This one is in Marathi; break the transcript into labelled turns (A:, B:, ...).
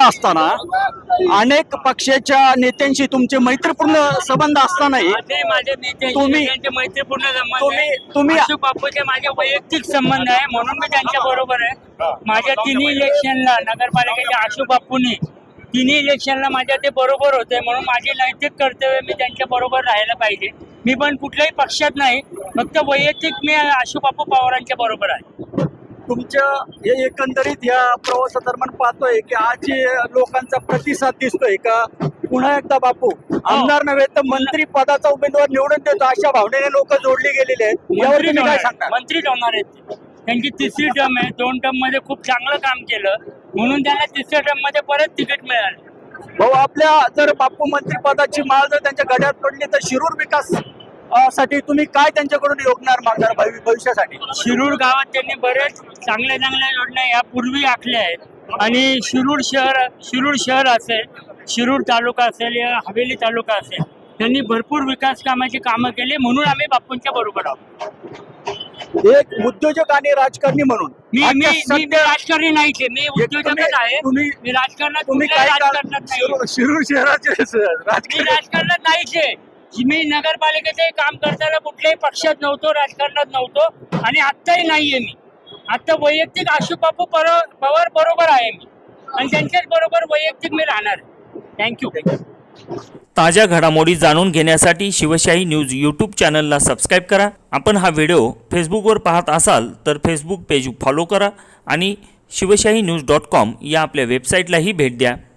A: असताना, अनेक पक्षाच्या नेत्यांशी तुमचे मैत्रीपूर्ण संबंध असतानाही
B: माझे नेते
A: तुम्ही-
B: त्यांचे मैत्रीपूर्ण संबंध
A: तुम्ही-
B: अशोक बापूचे माझे वैयक्तिक संबंध आहे, म्हणून मी त्यांच्या बरोबर आहे. माझ्या तिन्ही इलेक्शनला नगरपालिकेच्या अशोक बापूंनी तिन्ही इलेक्शनला माझ्या ते बरोबर होते, म्हणून माझे नैतिक कर्तव्य मी त्यांच्या बरोबर राहायला पाहिजे. मी पण कुठल्याही पक्षात नाही, फक्त वैयक्तिक मी अशोक बापू पवारांच्या बरोबर आहे.
A: तुमच्या हे एकंदरीत या प्रवासादरम्यान पाहतोय की आज जे लोकांचा प्रतिसाद दिसतोय का पुन्हा एकदा बापू आमदार नव्हे तर मंत्री पदाचा उमेदवार निवडून देतो अशा भावनेने लोक जोडली गेलेले आहेत. यावर तुम्ही काय सांगता?
B: मंत्रीच होणार आहेत ते. त्यांची तिसरी टर्म आहे, 2 टर्म मध्ये खूप चांगलं काम केलं, म्हणून त्यांना तिसऱ्या टर्म मध्ये परत तिकीट मिळालं.
A: भाऊ, आपल्या जर बापू मंत्री पदाची माळ जर त्यांच्या गड्यात पडली तर शिरूर विकास साठी तुम्ही काय त्यांच्याकडून योगणार मागणार भविष्यासाठी?
B: शिरूर गावात त्यांनी बरेच चांगल्या चांगल्या योजना यापूर्वी आखल्या आहेत आणि शिरूर शहर असेल, शिरूर तालुका असेल या हवेली तालुका असेल, त्यांनी भरपूर विकास कामाची कामं केली, म्हणून आम्ही बापूंच्या बरोबर आहोत.
A: एक उद्योजक आणि राजकारणी म्हणून
B: मी
A: आता सध्या
B: राजकारणी नाहीच आहे, मी उद्योजकच आहे. मी राजकारणात कुठल्याही राजकारणात नाही.
A: शिरूर शहराचे
B: मी
A: राजकारणी
B: राजकारणात नाहीच आहे. मी नगरपालिकेचे काम करताना कुठल्याही पक्षात नव्हतो, राजकारणात नव्हतो आणि आत्ताही नाहीये. मी आता वैयक्तिक अशोक बापू पवार बरोबर आहे मी, आणि त्यांच्याच बरोबर वैयक्तिक मी राहणार. थँक्यू.
C: ताज्या घडामोडी जाणून घेण्यासाठी शिवशाही न्यूज यूट्यूब चॅनलला सबस्क्राईब करा. आपण हा व्हिडिओ फेसबुकवर पाहत असाल तर फेसबुक पेज फॉलो करा आणि शिवशाही न्यूज.com या आपल्या वेबसाईटलाही भेट द्या.